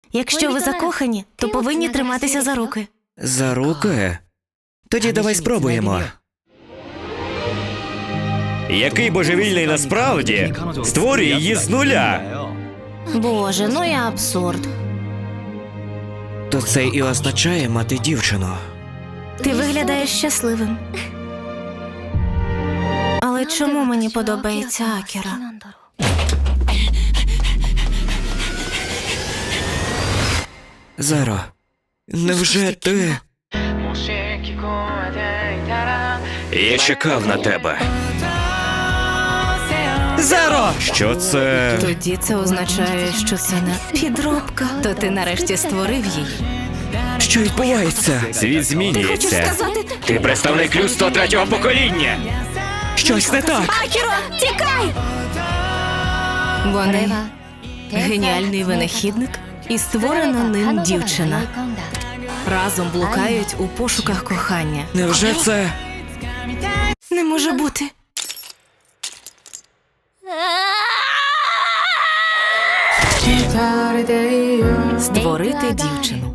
Якщо ви закохані, то повинні триматися за руки. За руки? Тоді давай спробуємо. Який божевільний насправді створює її з нуля. Боже, ну і абсурд. То це і означає мати дівчину. Ти виглядаєш щасливим. Але чому мені подобається Акіра? Заро, невже ти... Я чекав на тебе. Заро! Що це? Тоді це означає, що це не підробка. То ти нарешті створив її. Що відбувається? Світ змінюється. Ти представник людства 3-го покоління. Щось не так. Акіро, тікай! Вони геніальний винахідник і створена ним дівчина. Разом блукають у пошуках кохання. Невже це... Не може бути. Створити дівчину.